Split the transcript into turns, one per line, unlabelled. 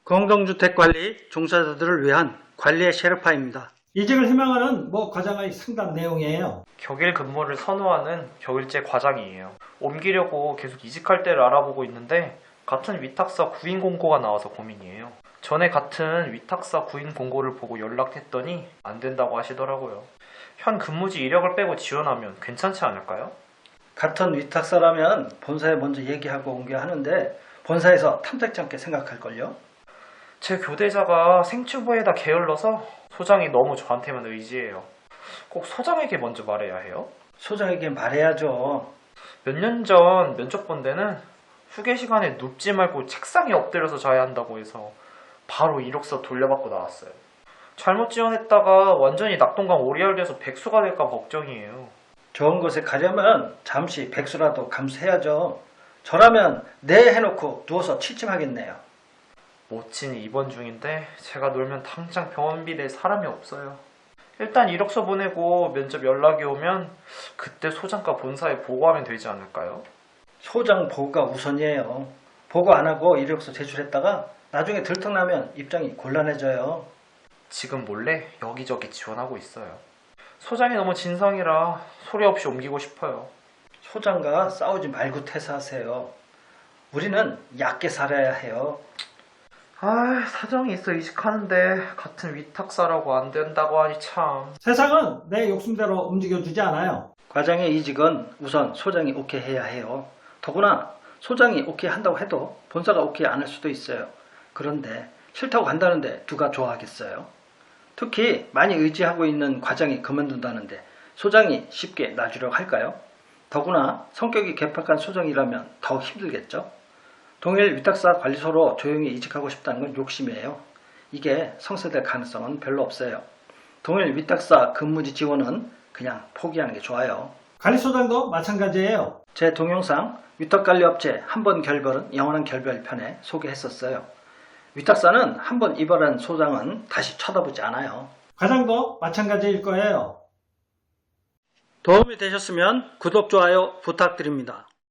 공동주택관리 종사자들을 위한 관리의 셰르파입니다. 이직을 희망하는 과장의 상담 내용이에요.
격일 근무를 선호하는 격일제 과장이에요. 옮기려고 계속 이직할 때를 알아보고 있는데 같은 위탁사 구인 공고가 나와서 고민이에요. 전에 같은 위탁사 구인 공고를 보고 연락했더니 안 된다고 하시더라고요. 현 근무지 이력을 빼고 지원하면 괜찮지 않을까요?
같은 위탁사라면 본사에 먼저 얘기하고 옮겨야 하는데 본사에서 탐탁지 않게 생각할걸요?
제 교대자가 생추부에다 게을러서 소장이 너무 저한테만 의지해요. 꼭 소장에게 먼저 말해야 해요?
소장에게 말해야죠.
몇 년 전 면접 본 데는 휴게 시간에 눕지 말고 책상에 엎드려서 자야 한다고 해서 바로 이력서 돌려받고 나왔어요. 잘못 지원했다가 완전히 낙동강 오리알돼서 백수가 될까 걱정이에요.
좋은 곳에 가려면 잠시 백수라도 감수해야죠. 저라면 네 해놓고 누워서 취침하겠네요.
모친이 입원 중인데 제가 놀면 당장 병원비 낼 사람이 없어요. 일단 이력서 보내고 면접 연락이 오면 그때 소장과 본사에 보고하면 되지 않을까요?
소장 보고가 우선이에요. 보고 안 하고 이력서 제출했다가 나중에 들통나면 입장이 곤란해져요.
지금 몰래 여기저기 지원하고 있어요. 소장이 너무 진상이라 소리 없이 옮기고 싶어요.
소장과 싸우지 말고 퇴사하세요. 우리는 얕게 살아야 해요.
사정이 있어 이직하는데 같은 위탁사라고 안 된다고 하니 참.
세상은 내 욕심대로 움직여주지 않아요.
과장의 이직은 우선 소장이 오케이 해야 해요. 더구나 소장이 오케이 한다고 해도 본사가 오케이 안 할 수도 있어요. 그런데 싫다고 간다는데 누가 좋아하겠어요? 특히 많이 의지하고 있는 과장이 그만둔다는데 소장이 쉽게 놔주려고 할까요? 더구나 성격이 개팍한 소장이라면 더 힘들겠죠? 동일 위탁사 관리소로 조용히 이직하고 싶다는 건 욕심이에요. 이게 성사될 가능성은 별로 없어요. 동일 위탁사 근무지 지원은 그냥 포기하는 게 좋아요.
관리소장도 마찬가지예요.
제 동영상 위탁관리업체 한 번 결별은 영원한 결별 편에 소개했었어요. 위탁사는 한 번 이별한 소장은 다시 쳐다보지 않아요.
과장도 마찬가지일 거예요.
도움이 되셨으면 구독, 좋아요 부탁드립니다.